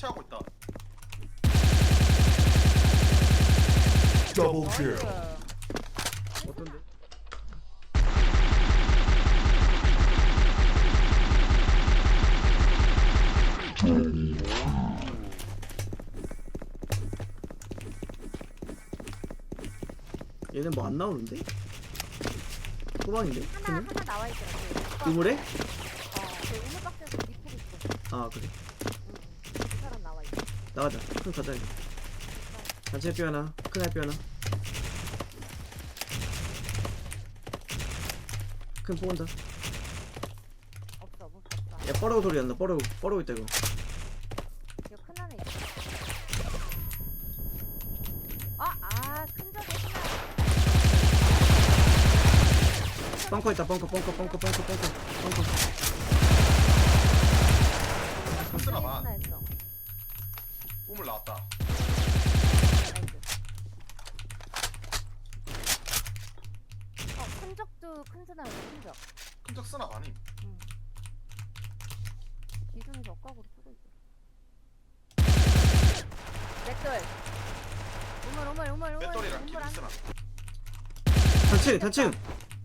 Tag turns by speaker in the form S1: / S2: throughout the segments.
S1: 설치하고 있다.
S2: 더블 킬.
S3: 어떤데? 얘는 뭐 안 나오는데? 후방인데?
S4: 하나 나와 있더라고.
S3: 우물에?
S4: 그 우물 박스에서 리포 있어.
S3: 아 그래.
S4: 그 사람 나와 있어.
S3: 나가자. 큰 가자 이제. 단체 뼈 하나, 큰 알뼈 하나. 큰 뽑은다.
S4: 없어, 못 봤어.
S3: 야 뻐러우 소리 난다. 뻐러우 있다 이거.
S4: 이거 큰 안에 있어. 큰 적에 하나.
S3: 벙커 있다. 벙커.
S1: 쓰나 봐.
S4: 하나 했어.
S1: 우물 나왔다.
S4: 나이스. 큰 적도 큰 스나야, 큰 적.
S1: 큰적 쓰나 봐니.
S4: 응. 기준에서 억각으로 쓰고 있어. 맷돌. 우물.
S1: 배터리랑 기름 쓰나.
S3: 단층.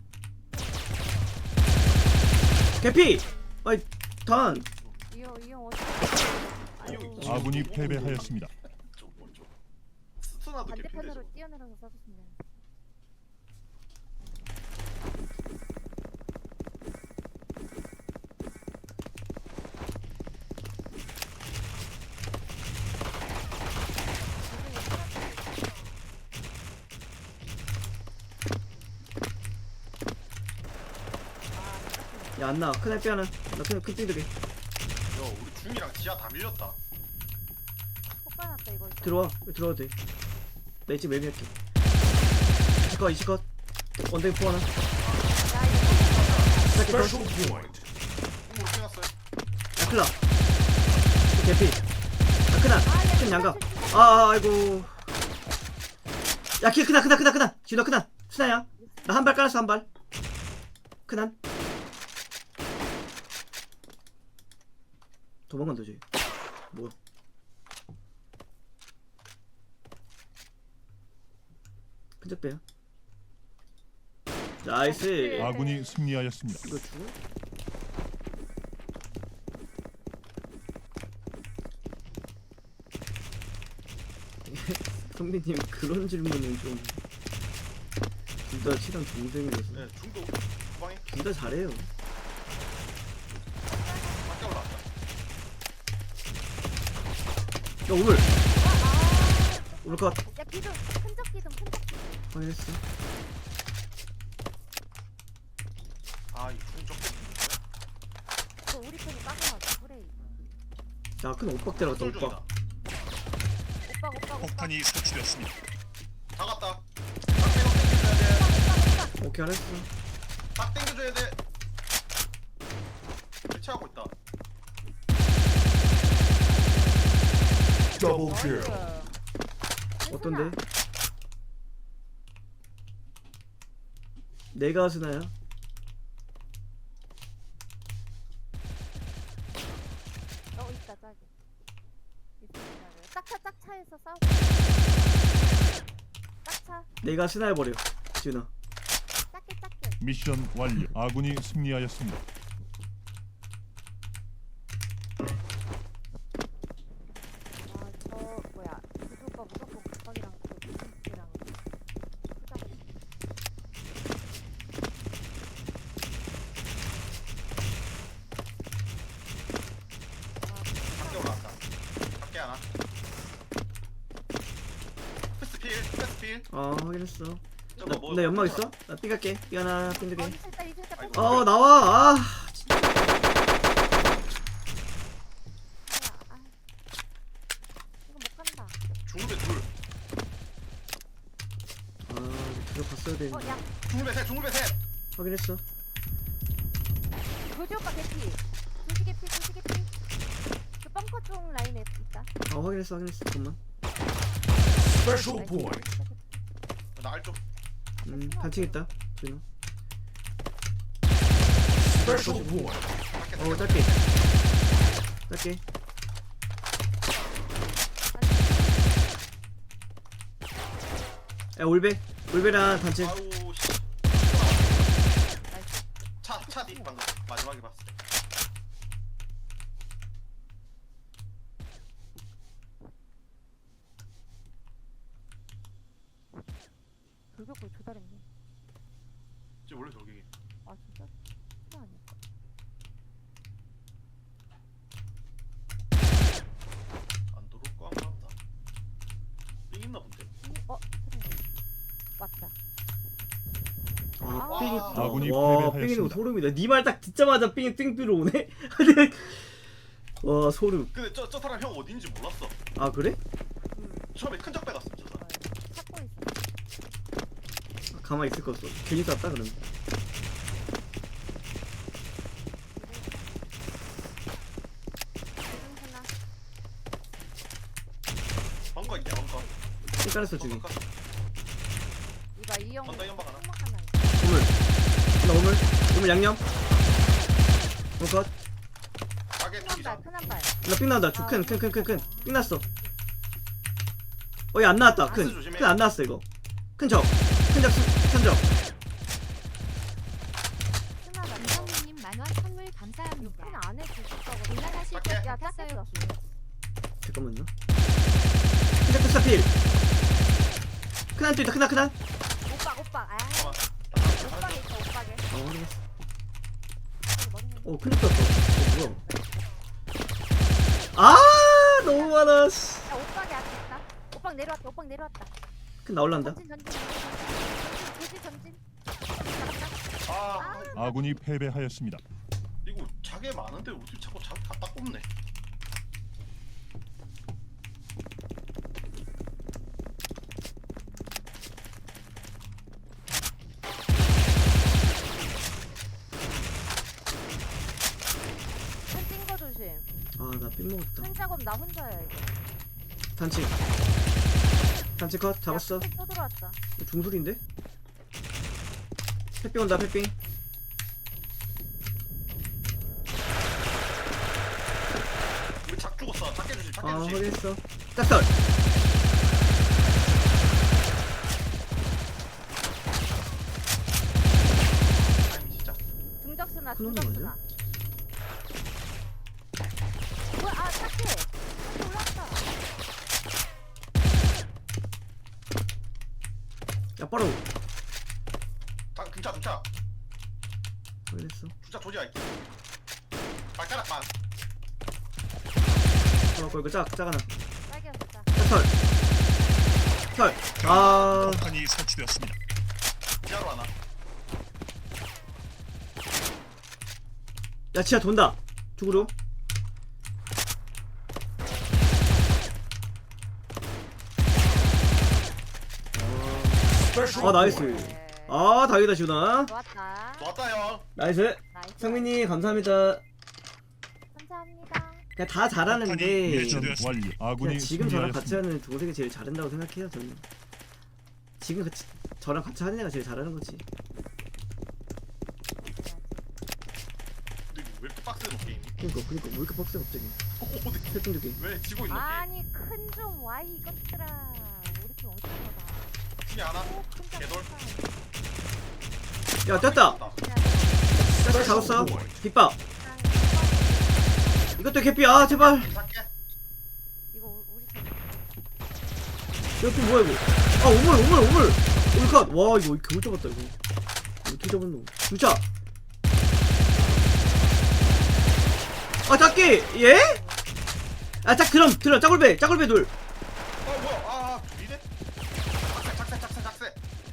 S3: 개피. 아이 단.
S4: 이형 어디? 아이고.
S5: 아군이 패배하였습니다.
S1: 스나도 개핀데.
S4: 반대편으로 뛰어내려서 쏴줬으면 돼.
S3: 야 안 나와. 큰 알뼈 하나. 나큰 띵들게.
S1: 야 우리 중이랑 지하 다 밀렸다.
S4: 폭발났다 이거.
S3: 들어와도 돼. 나 이제 매미 할게. 이시컷. 원댕 포 하나. 스타키 컷.
S2: 스페셜 포인트.
S1: 우물 끝났어요.
S3: 야 클라. 개피. 야 크나. 큰 양각. 아이고. 야 키 크나. 진호 크나. 스나야. 나 한 발 깔았어 한 발. 크난. 도망간다 쟤. 뭐야? 큰적 빼야. 나이스.
S5: 아군이 승리하였습니다.
S3: 이거 죽어? 선배님 그런 질문은 좀 둘 다 친한 동생이라서
S1: 네 중도 후방에
S3: 둘 다 잘해요.
S1: 밖에 올라왔다.
S3: 야 오물 컷
S4: 야 기둥 큰 적 기둥.
S3: 확인했어.
S1: 아이 중적 개핀데.
S4: 그 우리 편이 빠져나왔어 프레이.
S3: 야큰 오빡 때려갔다
S1: 술 중이다.
S4: 오빠.
S5: 폭탄이 설치되었습니다.
S1: 다 갔다. 딱 땡겨줘야 돼.
S3: 오케이 알았어.
S1: 딱 땡겨줘야 돼. 설치하고 있다.
S2: 더블 킬.
S3: 어떤데? 내가 스나야?
S4: 있다 짝이. 짝차에서 싸우고. 짝차.
S3: 내가 스나 해버려 지훈아.
S4: 작게.
S5: 미션 완료. 아군이 승리하였습니다.
S4: 저 뭐야 구두 오빠 무조건 각방이랑 그 무슨이랑 크다고.
S1: 밖에 올라왔다. 밖에 하나. 패스필.
S3: 확인했어.
S1: 저거 뭐?
S3: 나 연막 있어? 나 삐갈게. 삐 하나 핀두개.
S4: 이슬다
S1: 아이고.
S3: 나와.
S4: 이거 못 간다.
S1: 중물배 둘.
S3: 들어갔어야 되는데.
S4: 야
S1: 중물배 셋.
S3: 확인했어.
S4: 조지 오빠 개피. 조지 개피. 그 벙커 쪽 라인에 있다.
S3: 확인했어. 잠깐만.
S2: 스페셜 포인트.
S1: 나알 좀.
S3: 단층 있다. 지훈아.
S2: 스페셜 포인트.
S1: 밖에
S3: 짧게. 야 올베랑 단체.
S1: 아우 씨.
S4: 나이스.
S1: 차 뒤 방금 마지막에 봤어.
S4: 돌격골 조달했네.
S1: 지금 원래 저기
S4: 아 진짜? 그거 아닐까?
S1: 안 들어올 거 같다. 삥 있나 본데.
S4: 그래. 맞다.
S3: 아 삥이.
S5: 아군이
S3: 와
S5: 패배하였습니다.
S3: 삥이는 소름이다. 니 말 딱 듣자마자 삥이 띵 들어오네. 근데 와 소름.
S1: 근데 저 사람 형 어딘지 몰랐어.
S3: 아 그래?
S1: 처음에 큰 적 빼갔어 저 사람.
S4: 찾고 있어.
S3: 가만히 있을 거 없어. 괜히 쐈다 그러면.
S4: 조준수나.
S1: 벙커 있냐 벙커.
S3: 삥 깔았어 저기.
S1: 벙커.
S4: 이봐 이형.
S1: 언더 연막 하나.
S4: 하나.
S3: 오물. 나 오물 양념. 컷.
S1: 가게
S4: 큰한
S1: 투기장.
S4: 발, 큰한 발.
S3: 나삥 나온다. 큰. 삥 났어. 얘 안 나왔다.
S1: 박스 조심해.
S3: 큰 안 나왔어 이거. 큰 적. 큰 적.
S4: 큰하다.
S6: 김성민님 만원 선물 감사합니다.
S4: 큰 안에 주식하고
S6: 올라가실
S1: 밖에?
S6: 때
S4: 야
S6: 탔어요.
S4: 탔어요.
S3: 잠깐만요. 큰적 스타필. 큰한 또 있다. 큰한.
S4: 오빠. 아.
S1: 잠깐만.
S4: 오빠게 있어 오빠게.
S3: 확인했어.
S4: 머리
S3: 큰적 떴어. 뭐야? 아 너무 많아. 씨.
S4: 야 오빠게 앞에 있다. 오빠 내려왔다.
S3: 큰 나올란다.
S4: 전진.
S1: 아
S5: 아군이 패배하였습니다.
S1: 이거 자개 많은데 어떻게 자꾸 자기 갖다 꼽네.
S4: 큰찐거 조심.
S3: 아나 삥 먹었다.
S4: 큰 작업 나 혼자야 이거.
S3: 단치 컷 잡았어.
S4: 야, 또 들어왔다.
S3: 중술인데? 햇빙 온다 햇빙.
S1: 우리 작 죽었어. 작게 주심. 작게
S3: 아
S1: 주심.
S3: 확인했어. 짝설.
S1: 아니 진짜.
S4: 중적수나.
S3: 큰 놈이
S4: 뭐야? 아 착해. 올랐다.
S3: 야 빠로.
S1: 등차.
S3: 확인했어.
S1: 주차 조지할게. 발가락만.
S3: 이거 짝하나.
S4: 딸기였다.
S3: 짝설. 설. 아
S5: 폭탄이 설치되었습니다.
S1: 지하로 하나.
S3: 야 지하 돈다. 죽으로. 아 나이스. 아 다행이다 지훈아.
S4: 좋았다.
S1: 좋았다 형.
S3: 나이스.
S4: 나이스.
S3: 상민이 감사합니다.
S4: 감사합니다.
S3: 그냥 다 잘하는데
S5: 미션 완료. 아군이
S3: 그냥 지금 저랑 같이
S5: 승리하였습니다.
S3: 하는 동생이 제일 잘한다고 생각해요 저는. 지금 같이 저랑 같이 하는 애가 제일 잘하는 거지.
S1: 근데 이거 왜 이렇게 빡세노 게임이?
S3: 그니까 왜 이렇게 빡세 갑자기.
S1: 오, 근데
S3: 세팅도 게임.
S1: 왜 지고 있노 게임?
S4: 아니 큰 좀 와이 이것들아. 우리 팀 어디 가봐.
S1: 팀이 하나.
S4: 큰
S1: 개돌.
S3: 야 떴다. 떴다 잡았어. 빗밥. 이것도 개피. 아 제발.
S1: 작게.
S4: 이거 우리 팀.
S3: 이것도 뭐야 이거. 아 오물. 오물컷. 와 이거 겨우 잡았다 이거. 어떻게 잡은 놈. 진짜. 아 작기. 예? 아짝 그럼 들어 짜골배 둘.
S1: 뭐야? 아 둘이네. 작세.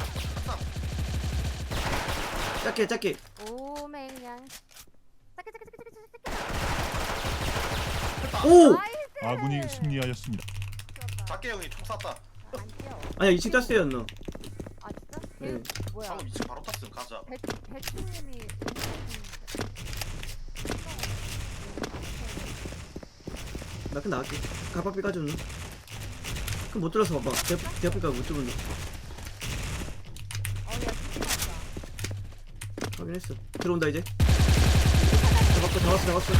S3: 작게.
S4: 오맹냥. 따게.
S3: 오.
S4: 나이스.
S5: 아군이 승리하였습니다.
S4: 좋았다.
S1: 작게 형이 총 쐈다.
S4: 안 뛰어.
S3: 아니야 2층 땄어였나.
S4: 아 진짜?
S3: 네.
S4: 뭐야?
S1: 방금 2층 바로 탔음. 가자.
S4: 배추님이
S3: 나 그냥 나갈게. 가박비 까줬나? 그럼 못 들어서 봐봐. 대학비가 못 들었나?
S4: 어야 진짜.
S3: 확인했어. 들어온다 이제. 잡았어.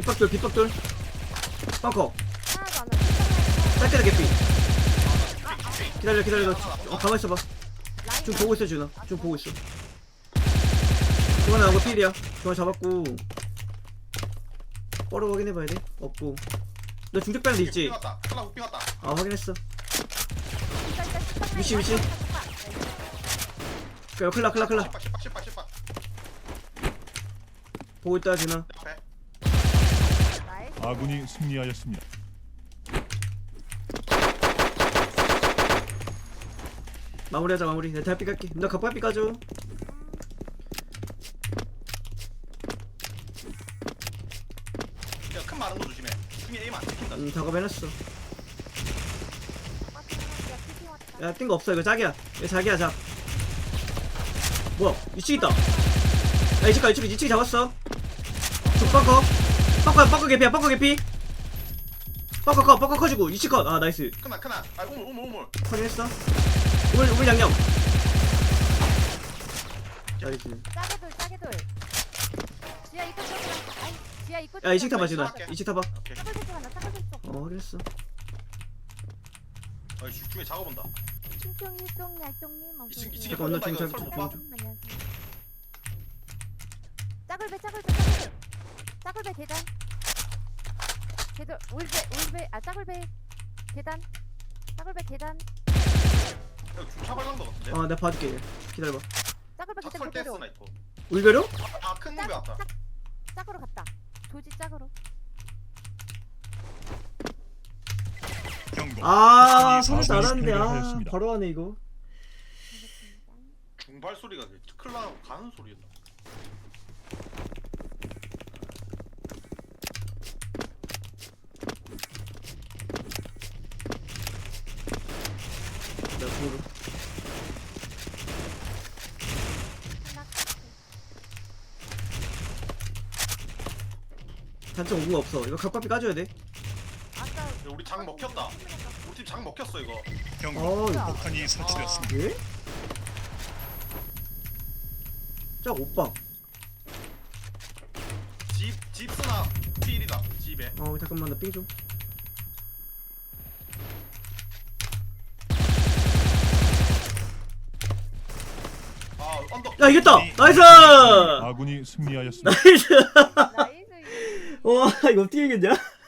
S3: 빗박돌. 벙커.
S4: 하나도 안 와.
S3: 짧게다 개피. 기다려 기다려. 너 가만 있어봐. 좀 보고 있어 준아. 좀 보고 있어. 중간 나오고 필이야. 중간 잡았고. 뻘어 확인해봐야 돼. 없고. 너 중적 빼는 데 있지?
S1: 삥 왔다. 클라 삥 왔다.
S3: 아 확인했어.
S4: 미치
S3: 미치. 그래 클라.
S1: 십박.
S3: 보고 있다 준아.
S1: 옆에.
S4: 나이스.
S5: 아군이 승리하였습니다.
S3: 마무리하자 마무리. 내가 대학비 갈게. 너 갑갑비 까줘.
S1: 야, 큰 마른 거 조심해. 팀이 에임 안 찍힌다.
S3: 작업해놨어.
S4: 피피 왔다.
S3: 야 뛴 거 없어. 이거 자기야. 이거 자기야 잡. 뭐야 이쪽 있다. 야 이쪽 잡았어. 뻑커 개피야. 뻑커 개피. 뻑커 커지고 이쪽 컷. 아 나이스.
S1: 크나. 아, 우물.
S3: 확인했어. 우물 양념. 나이스.
S4: 짜게 돌. 지하 입구 쪽이랑. 아이, 지하 입구
S3: 야 이식 타봐
S4: 쪽이랑
S3: 준아. 이식 타봐.
S1: 오케이.
S4: 짜글 설정 하나, 짜글 설정.
S3: 확인했어.
S1: 중에 작업온다.
S4: 충청 일동 얄동님 어서
S1: 이층
S4: 오세요.
S3: 잠깐만, 나 지금
S1: 이거
S3: 잘-
S1: 설마.
S4: 안녕하세요. 짜글배 계단. 계단 울배 짜글배 계단. 짜글배 계단.
S1: 여기 중차 발광도 같은데.
S3: 내가 봐줄게. 기다려봐.
S4: 짜글배 계단
S1: 탁설
S4: 그대로.
S1: 댄스나 있고.
S3: 울베로?
S1: 큰 놈이 왔다.
S4: 짝으로 갔다. 조지 짝으로.
S5: 경고.
S3: 손을
S5: 아군이
S3: 잘하는데
S5: 패배하였습니다.
S3: 바로 하네 이거.
S4: 알겠습니다.
S1: 중발 소리가 클라 가는 소리였나?
S3: 내가 보러. 단점 오구가 없어. 이거 각밥이 까줘야 돼.
S4: 아까
S1: 야, 우리 장 먹혔다. 우리 팀 장 먹혔어 이거.
S5: 경고.
S3: 이거
S5: 폭탄이 설치되었습니다.
S3: 예? 짝 오빠.
S1: 집 쓰나 필이다. 집에.
S3: 잠깐만 나 삥 좀.
S1: 아 언덕.
S3: 야 이겼다. 나이스.
S5: 아군이 승리하였습니다.
S3: 나이스.
S4: 나이스.
S3: 와 이거 어떻게 이겼냐?